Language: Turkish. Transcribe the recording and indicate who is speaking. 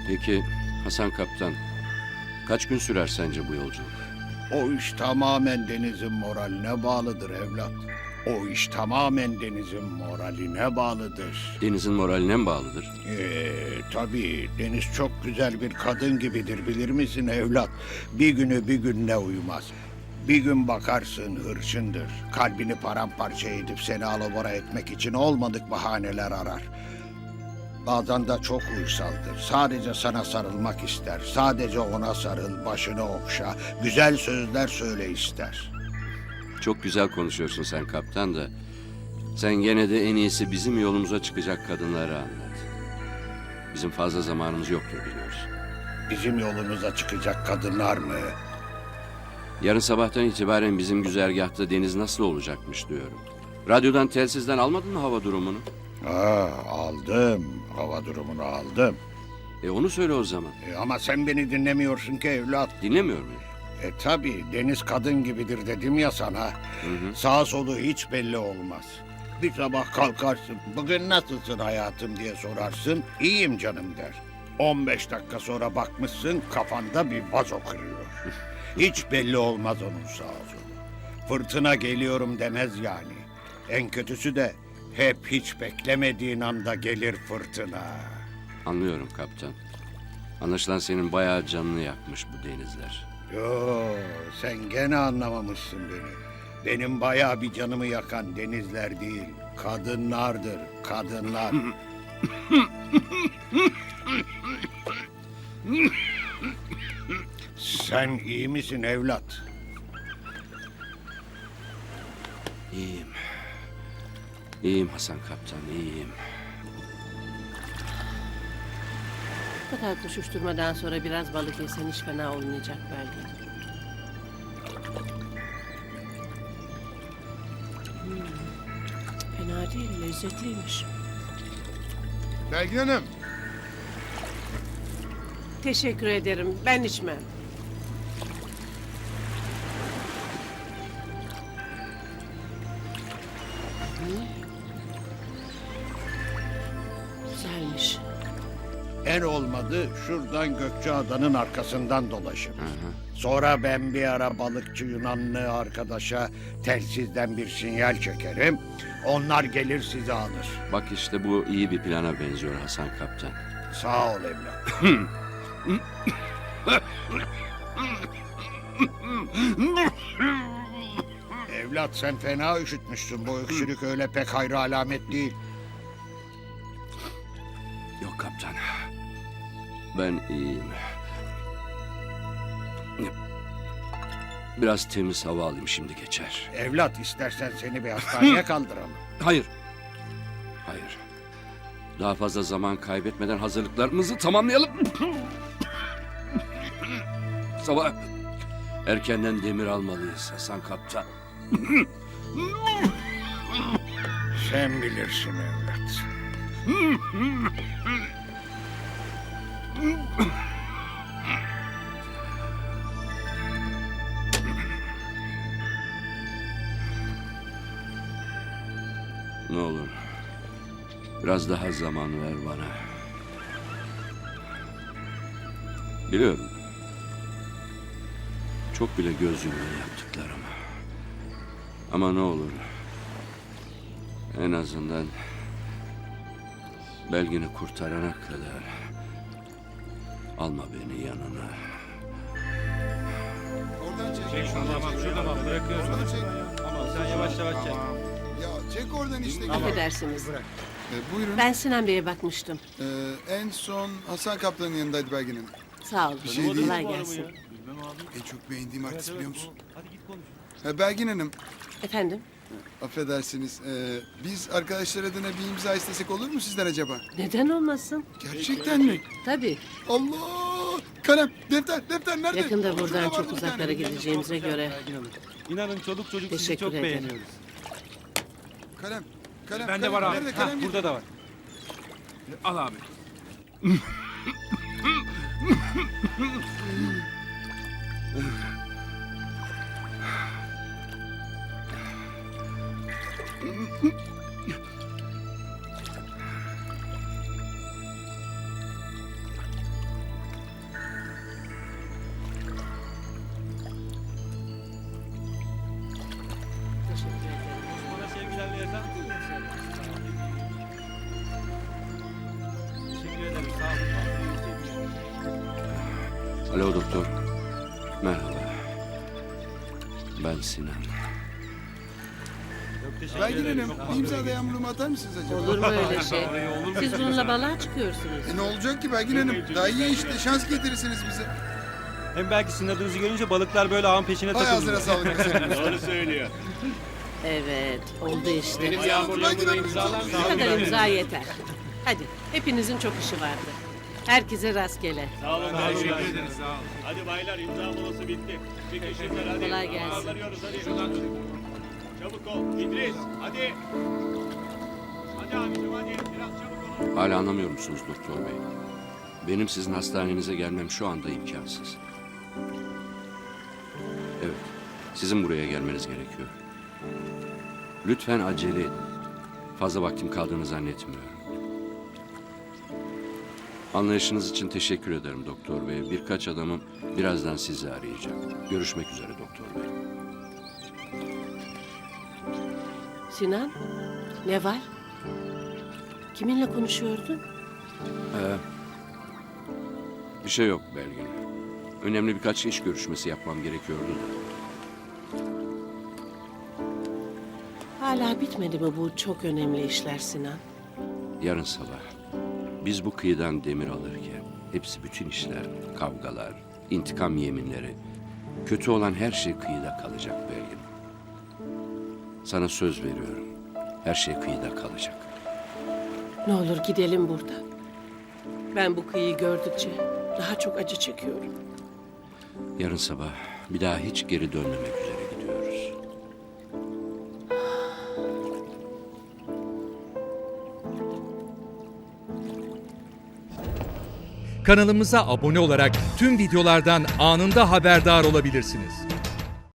Speaker 1: Peki Hasan Kaptan, kaç gün sürer sence bu yolculuk?
Speaker 2: O iş tamamen Deniz'in moraline bağlıdır evlat. O iş tamamen Deniz'in moraline bağlıdır.
Speaker 1: Deniz'in moraline mi bağlıdır?
Speaker 2: Tabii Deniz çok güzel bir kadın gibidir bilir misin evlat? Bir günü bir günle uyumaz. Bir gün bakarsın hırçındır. Kalbini paramparça edip seni alabora etmek için olmadık bahaneler arar. Bazen de çok uysaldır. Sadece sana sarılmak ister. Sadece ona sarıl, başını okşa. Güzel sözler söyle ister.
Speaker 1: Çok güzel konuşuyorsun sen kaptan da. Sen gene de en iyisi bizim yolumuza çıkacak kadınları anlat. Bizim fazla zamanımız yoktur biliyorsun.
Speaker 2: Bizim yolumuza çıkacak kadınlar mı?
Speaker 1: Yarın sabahtan itibaren bizim güzergahta deniz nasıl olacakmış diyorum. Radyodan, telsizden almadın mı hava durumunu?
Speaker 2: Aldım. Hava durumunu aldım.
Speaker 1: Onu söyle o zaman.
Speaker 2: Ama sen beni dinlemiyorsun ki evlat.
Speaker 1: Dinlemiyor muyum?
Speaker 2: Tabii Deniz kadın gibidir dedim ya sana. Sağ solu hiç belli olmaz. Bir sabah kalkarsın, bugün nasılsın hayatım diye sorarsın, iyiyim canım der. 15 dakika sonra bakmışsın kafanda bir vazo kırıyor. Hiç belli olmaz onun sağ solu. Fırtına geliyorum demez yani. En kötüsü de hep hiç beklemediğin anda gelir fırtına.
Speaker 1: Anlıyorum kaptan. Anlaşılan senin bayağı canını yakmış bu denizler.
Speaker 2: Yo, sen gene anlamamışsın beni. Benim bayağı bir canımı yakan denizler değil, kadınlardır, kadınlar. Sen iyi misin evlat?
Speaker 1: İyiyim. İyiyim Hasan Kaptan, iyiyim.
Speaker 3: Bu kadar koşuşturmadan sonra biraz balık yesen hiç fena olmayacak belki. Fena değil, lezzetliymiş.
Speaker 4: Belgin Hanım.
Speaker 3: Teşekkür ederim, ben içmem. Güzelmiş.
Speaker 2: En olmadı şuradan Gökçeada'nın arkasından dolaşın. Sonra ben bir ara balıkçı Yunanlı arkadaşa telsizden bir sinyal çekerim. Onlar gelir sizi alır.
Speaker 1: Bak işte bu iyi bir plana benziyor Hasan Kaptan.
Speaker 2: Sağ ol evlat. Evlat sen fena üşütmüşsün. Bu öksürük öyle pek hayra alamet değil.
Speaker 1: Yok kaptan. Ben iyiyim. Biraz temiz hava alayım şimdi geçer.
Speaker 2: Evlat istersen seni bir hastaneye kaldıralım.
Speaker 1: Hayır. Hayır. Daha fazla zaman kaybetmeden hazırlıklarımızı tamamlayalım. Sabah erkenden demir almalıyız Hasan Kaptan.
Speaker 2: Sen bilirsin evlat.
Speaker 1: Ne olur. Biraz daha zaman ver bana. Biliyorum. Çok bile göz yumulu yaptıklarım. Ama ne olur. En azından Belgin'i kurtarana kadar alma beni yanına.
Speaker 4: Oradan çek.
Speaker 5: Çek şunu bak şurada bak bırakıyorum.
Speaker 4: Oradan çek.
Speaker 5: Tamam sen yavaş yavaş çek.
Speaker 4: Ya çek oradan işte.
Speaker 3: Affedersiniz.
Speaker 4: Buyurun.
Speaker 3: Ben Sinan Bey'e bakmıştım.
Speaker 4: En son Hasan Kaptan'ın yanındaydı Belgin Hanım.
Speaker 3: Sağ olun.
Speaker 4: şey değil.
Speaker 3: Kolay gelsin.
Speaker 4: En çok beğendiğim artist biliyor musun?
Speaker 5: Hadi git konuş.
Speaker 4: Belgin Hanım,
Speaker 3: Efendim?
Speaker 4: affedersiniz. Biz arkadaşlar adına bir imza istesek olur mu sizden acaba?
Speaker 3: Neden olmasın?
Speaker 4: Gerçekten mi?
Speaker 3: Tabii.
Speaker 4: Allah! Kalem, defter nerede?
Speaker 3: Yakında buradan
Speaker 4: Şurada
Speaker 3: çok
Speaker 4: vardı bir
Speaker 3: uzaklara
Speaker 4: tane.
Speaker 3: gideceğimize göre.
Speaker 5: İnanın çoluk çocuk sizi
Speaker 3: Teşekkür
Speaker 5: çok
Speaker 3: ederim.
Speaker 5: beğeniyoruz.
Speaker 4: Kalem.
Speaker 5: Bende var abi.
Speaker 4: Nerede
Speaker 5: Ha,
Speaker 4: kalem?
Speaker 5: burada da var. Al abi.
Speaker 1: Alo doktor. Merhaba. Ben Sinan.
Speaker 4: Belgin Hanım, bir imza da yağmurumu atar mısınız acaba?
Speaker 3: Olur mu öyle şey? Siz bununla balığa çıkıyorsunuz.
Speaker 4: Ne olacak ki Belgin Hanım? Daha iyi işte, şans getirirsiniz bize.
Speaker 5: Hem belki sizin adınızı görünce balıklar böyle ağın peşine
Speaker 4: Hay ağzına
Speaker 5: takılır.
Speaker 4: sağlık mesela.
Speaker 6: Doğru söylüyor.
Speaker 3: Evet, oldu işte.
Speaker 6: Benim yağmurluğumu imzalar
Speaker 3: Bu
Speaker 6: mısın?
Speaker 3: kadar imza yeter. Hadi, hepinizin çok işi vardı. Herkese rastgele.
Speaker 6: Sağ olun. Teşekkür ederiz. Hadi baylar imza molası bitti. Çıkışınlar hadi.
Speaker 3: Kolay gelsin.
Speaker 6: Ağlarıyoruz hadi. Çabuk ol. İdris hadi. Hadi abicim hadi. Biraz çabuk olun.
Speaker 1: Hala anlamıyor musunuz doktor bey? Benim sizin hastanenize gelmem şu anda imkansız. Evet, sizin buraya gelmeniz gerekiyor. Lütfen acele edin. Fazla vaktim kaldığını zannetmiyorum. Anlayışınız için teşekkür ederim doktor bey. Birkaç adamım birazdan sizi arayacak. Görüşmek üzere doktor bey.
Speaker 3: Sinan, ne var? Kiminle konuşuyordun?
Speaker 1: Bir şey yok Belgin. Önemli birkaç iş görüşmesi yapmam gerekiyordu da.
Speaker 3: Hala bitmedi mi bu çok önemli işler Sinan?
Speaker 1: Yarın sabah biz bu kıyıdan demir alırken hepsi bütün işler, kavgalar, intikam yeminleri, kötü olan her şey kıyıda kalacak Belgin. Sana söz veriyorum. Her şey kıyıda kalacak.
Speaker 3: Ne olur gidelim buradan. Ben bu kıyıyı gördükçe daha çok acı çekiyorum.
Speaker 1: Yarın sabah bir daha hiç geri dönmemek üzere gidiyoruz.
Speaker 7: Kanalımıza abone olarak tüm videolardan anında haberdar olabilirsiniz.